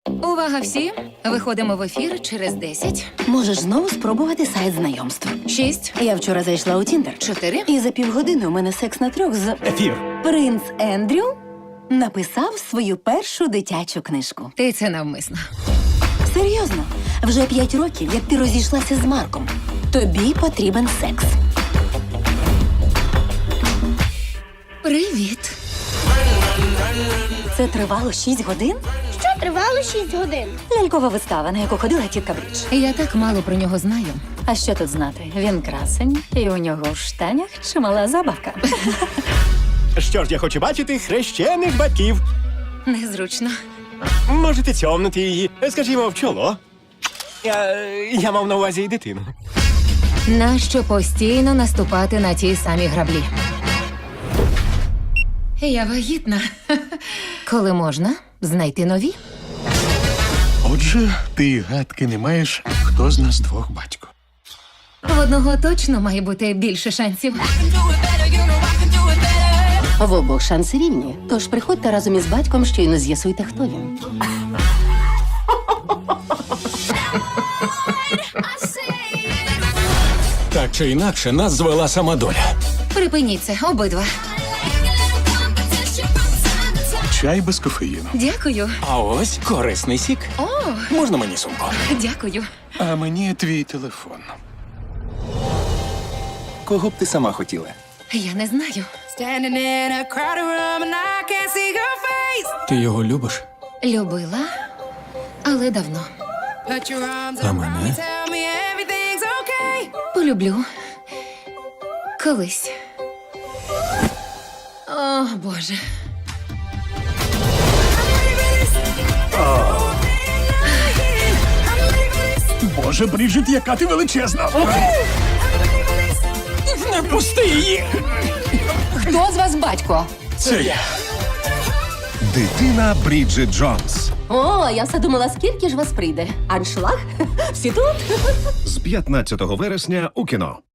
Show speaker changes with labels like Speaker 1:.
Speaker 1: Увага всі! Виходимо в ефір через 10,
Speaker 2: Можеш знову спробувати сайт знайомств.
Speaker 1: 6,
Speaker 2: Я вчора зайшла у Тіндер.
Speaker 1: 4.
Speaker 2: І за півгодини у мене секс на 3 з...
Speaker 3: Ефір.
Speaker 2: Принц Ендрю написав свою першу дитячу книжку.
Speaker 1: Ти це навмисно.
Speaker 2: Серйозно, вже 5 років, як ти розійшлася з Марком. Тобі потрібен секс.
Speaker 1: Привіт.
Speaker 2: Це тривало 6 годин?
Speaker 4: Що тривало 6 годин?
Speaker 2: Лялькова вистава, на яку ходила тітка Брідж.
Speaker 1: Я так мало про нього знаю.
Speaker 2: А що тут знати? Він красень, і у нього в штанях чимала забавка.
Speaker 3: Що ж, я хочу бачити хрещених батьків.
Speaker 1: Незручно.
Speaker 3: Можете цьомнути її, скажімо, в чоло. Я мав на увазі і дитину.
Speaker 1: Нащо постійно наступати на ті самі граблі? Я вагітна. Коли можна знайти нові?
Speaker 5: Отже, ти й гадки не маєш, хто з нас двох батько.
Speaker 1: В одного точно має бути більше шансів.
Speaker 2: В обох шанси рівні. Тож приходьте разом із батьком, щойно з'ясуйте, хто він.
Speaker 6: Так чи інакше, нас звела сама доля.
Speaker 1: Припиніть це, обидва.
Speaker 5: Чай без кофеїну.
Speaker 1: Дякую.
Speaker 6: А ось корисний сік.
Speaker 1: О,
Speaker 6: Можна мені сумку?
Speaker 1: дякую.
Speaker 5: А мені твій телефон.
Speaker 3: Кого б ти сама хотіла?
Speaker 1: Я не знаю.
Speaker 7: Standing in a crowded room and I can't see your face.
Speaker 6: Ти його любиш?
Speaker 1: Любила, але давно.
Speaker 7: Put your arms
Speaker 6: А
Speaker 7: around me,
Speaker 6: мене?
Speaker 7: tell me everything's okay.
Speaker 1: Полюблю. Колись. О, Боже.
Speaker 5: Боже, Бріджит, яка ти величезна!
Speaker 6: Не пусти її!
Speaker 2: Хто з вас батько?
Speaker 6: Це я.
Speaker 8: Дитина Бріджит Джонс
Speaker 2: О, я все думала, скільки ж вас прийде. Аншлаг? Всі тут?
Speaker 8: з 15 вересня у кіно.